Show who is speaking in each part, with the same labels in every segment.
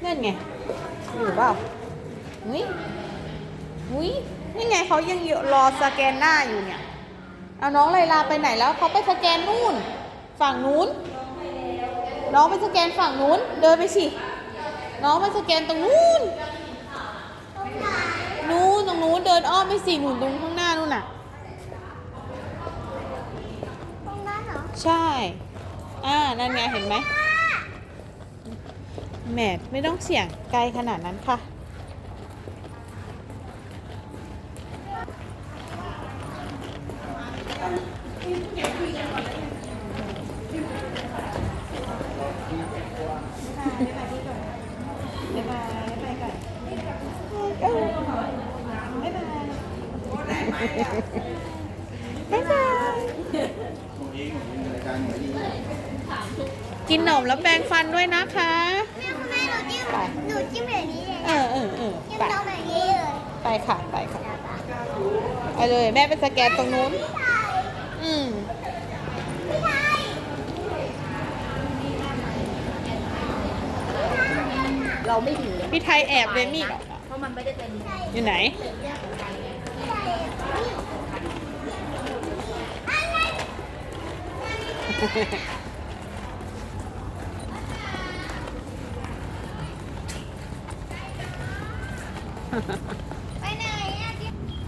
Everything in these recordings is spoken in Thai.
Speaker 1: นั่นไงอยู่เปล่าอุ้ยอุ้ยนี่ไงเขายังรอสแกนหน้าอยู่เนี่ยเอาน้องไลลาไปไหนแล้วเขาไปสแกนนู่นฝั่งนู้นน้องไปสแกนฝั่งนู้นเดินไปสิน้องไปสแกนตรงนู้นตรงนู้นเดินอ้อมไปสิหนุนตรงข้างหน้านู่นน่ะ
Speaker 2: ตรงนั้นเหรอ
Speaker 1: ใช่นั่นไงเห็นไหมแหมไม่ต้องเสี่ยงไกลขนาดนั้นค่ะบ๊ายบายกินขนมแล้วแปรงฟันด้วยนะคะ
Speaker 2: แม่หนูจิ้มแบบนี้เลยจิ้ม
Speaker 1: ไป
Speaker 2: น้องแบบนี้เลย
Speaker 1: ไปค่ะไปเลยแม่ไปสแกนตรงนู้น
Speaker 3: เราไม่ถือ
Speaker 1: พี่ไทยแอบเลยมีด
Speaker 3: เพราะมันไม่ได้เป็น
Speaker 1: อยู่ไหน
Speaker 2: ไปไหนอะที่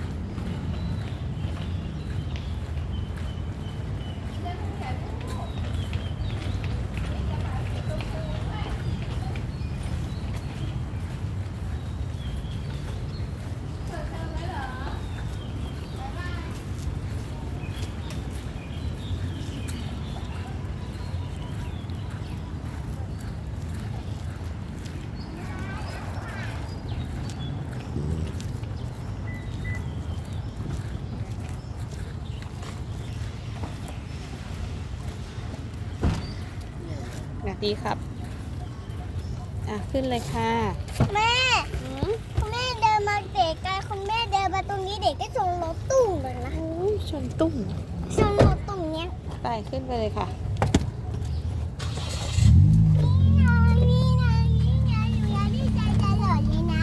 Speaker 1: ดีครับขึ้นเลยค่ะ
Speaker 2: แม่คุณแม่เดินมาเด็กกันคุณแม่เดินมาตรงนี้เด็กก็ชนรถตู้เลยนะ
Speaker 1: ชนตุ้ม
Speaker 2: ชนรถตรงเนี้ย
Speaker 1: ไปขึ้นไปเลยค่ะ
Speaker 2: นี่นะอยู่ยาดีใจตลอดเลยนะ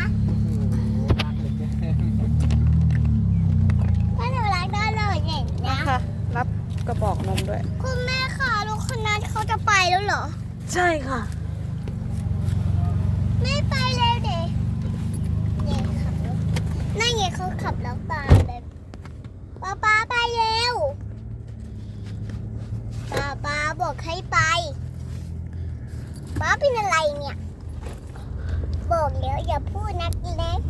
Speaker 2: ก็หนูรักตลอดเลยนะ
Speaker 1: ค่ะรับกระบอกนมด้วย
Speaker 2: คุณแม่ค่ะรถคันนั้นเขาจะไปแล้วเหรอ
Speaker 1: ใช่ค่ะ
Speaker 2: ไม่ไปเลยเด็กเนี่ยขับรถนั่นไงเขาขับแล้วตามเลยป๊าไปเร็วป๊าบอกให้ไปป๊าเป็นอะไรเนี่ยบอกแล้วอย่าพูดนักเล็ก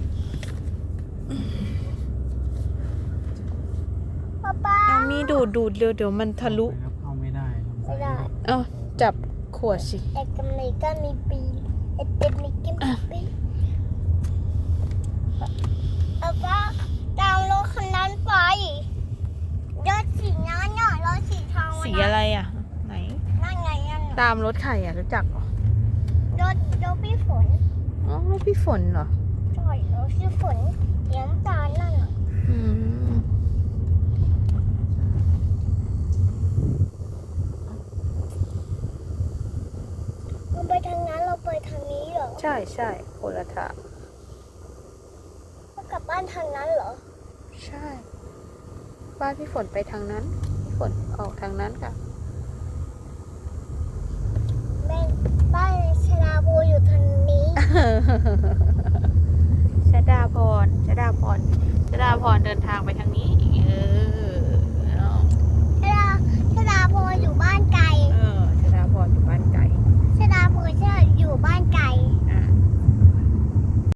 Speaker 2: ป๊า
Speaker 1: เอามีดูดเดี๋ยวมันทะลุ
Speaker 4: เข้าไม่ได้
Speaker 2: ไม่ได้
Speaker 1: จับขวดสิ
Speaker 2: ไอ้กำไรก็มีปีไอ้เป็นมีกิมปีป๊าตามรถคันนั้นไปรถสีน้ำเนี่ยรถสีทอง
Speaker 1: สีอะไรไหน
Speaker 2: นั่นไงนั่น
Speaker 1: ตามรถใครรู้จักเหรอ
Speaker 2: รถพี่ฝน
Speaker 1: รถพี่ฝนเหรอ
Speaker 2: ใช่รถพี่ฝนเลี้ยงตานั่นเราไปทางนั้นเราไปทางนี้เหรอ
Speaker 1: ใช่คนละทาง
Speaker 2: เรากลับบ้านทางนั้นเหรอ
Speaker 1: ใช่บ้านพี่ฝนไปทางนั้นพี่ฝนออกทางนั้นค่ะ
Speaker 2: แม่บ้านชลาบูอยู่ทางนี้
Speaker 1: ชดาพรเดินทางไปทางนี้